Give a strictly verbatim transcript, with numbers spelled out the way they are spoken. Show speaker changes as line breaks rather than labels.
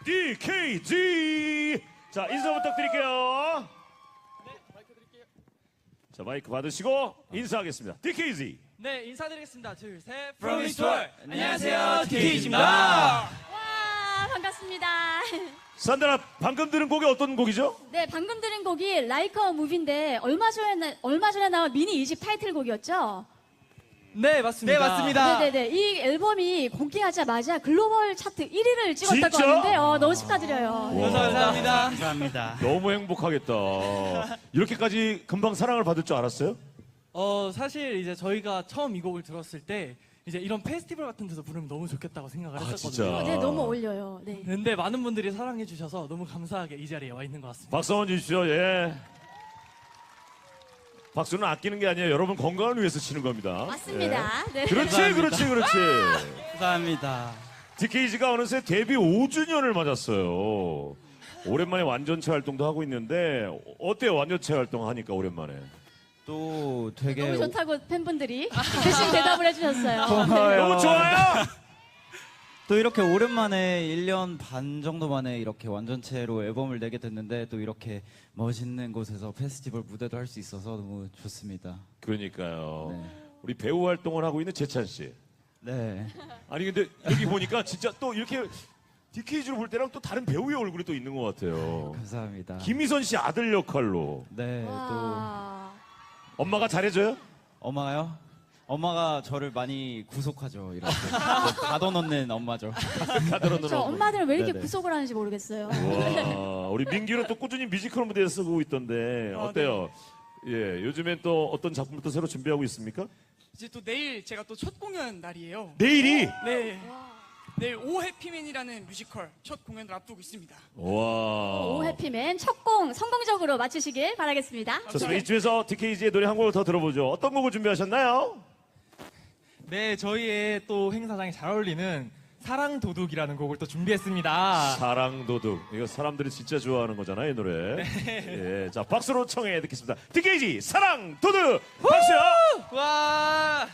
디케이지. 자, 인사 부탁드릴게요.
네, 마이크 드릴게요.
자, 마이크 받으시고 인사하겠습니다. 디케이지.
네, 인사드리겠습니다. 둘, 셋.
From
From
East World.
안녕하세요, 디케이지입니다.
와, 반갑습니다.
산드라, 방금 들은 곡이 어떤 곡이죠?
네, 방금 들은 곡이 라이커 무비인데 얼마 전에 나- 얼마 전에 나온 미니 이집 타이틀곡이었죠.
네, 맞습니다.
네, 맞습니다.
네네네. 이 앨범이 공개하자마자 글로벌 차트 일 위를 찍었다고
진짜?
하는데 어, 너무 축하드려요.
와.
감사합니다.
감사합니다.
너무 행복하겠다. 이렇게까지 금방 사랑을 받을 줄 알았어요?
어, 사실 이제 저희가 처음 이 곡을 들었을 때 이제 이런 페스티벌 같은 데서 부르면 너무 좋겠다고 생각을
아,
했었거든요.
진짜?
네, 너무 어울려요. 네.
근데 많은 분들이 사랑해 주셔서 너무 감사하게 이 자리에 와 있는 것 같습니다.
박수 한번 주십시오. 예. 박수는 아끼는 게 아니에요. 여러분 건강을 위해서 치는 겁니다.
맞습니다. 네.
예. 그렇지,
감사합니다.
그렇지, 그렇지.
감사합니다.
디케이지가 어느새 데뷔 오 주년을 맞았어요. 오랜만에 완전체 활동도 하고 있는데 어때요? 완전체 활동 하니까 오랜만에.
또 되게
너무 좋다고 팬분들이 대신 대답을 해주셨어요.
고마워요.
너무 좋아요.
또 이렇게 오랜만에 일 년 반 정도 만에 이렇게 완전체로 앨범을 내게 됐는데 또 이렇게 멋있는 곳에서 페스티벌 무대도 할 수 있어서 너무 좋습니다.
그러니까요.
네.
우리 배우 활동을 하고 있는 재찬 씨.
네.
아니 근데 여기 보니까 진짜 또 이렇게 디케이지로 볼 때랑 또 다른 배우의 얼굴이 또 있는 것 같아요.
감사합니다.
김희선 씨 아들 역할로.
네. 또
와.
엄마가 잘해줘요?
엄마가요? 엄마가 저를 많이 구속하죠. 이렇게 가둬놓는 엄마죠.
가더러
저 엄마들은 왜 이렇게
네네.
구속을 하는지 모르겠어요.
와, 우리 민규는 또 꾸준히 뮤지컬 무대에 쓰고 있던데 어때요? 예, 요즘엔 또 어떤 작품을 또 새로 준비하고 있습니까?
이제 또 내일 제가 또 첫 공연 날이에요.
내일이.
네. 내일 오 해피맨이라는 뮤지컬 첫 공연을 앞두고 있습니다.
와.
오 해피맨 첫 공 성공적으로 마치시길 바라겠습니다.
좋습니다. 이쯤에서 디케이지의 노래 한 곡을 더 들어보죠. 어떤 곡을 준비하셨나요?
네, 저희의 또 행사장에 잘 어울리는 사랑 도둑이라는 곡을 또 준비했습니다.
사랑 도둑. 이거 사람들이 진짜 좋아하는 거잖아요, 이 노래. 예, 자 박수로 청해 듣겠습니다. 디케이지 사랑 도둑. 박수요.
와!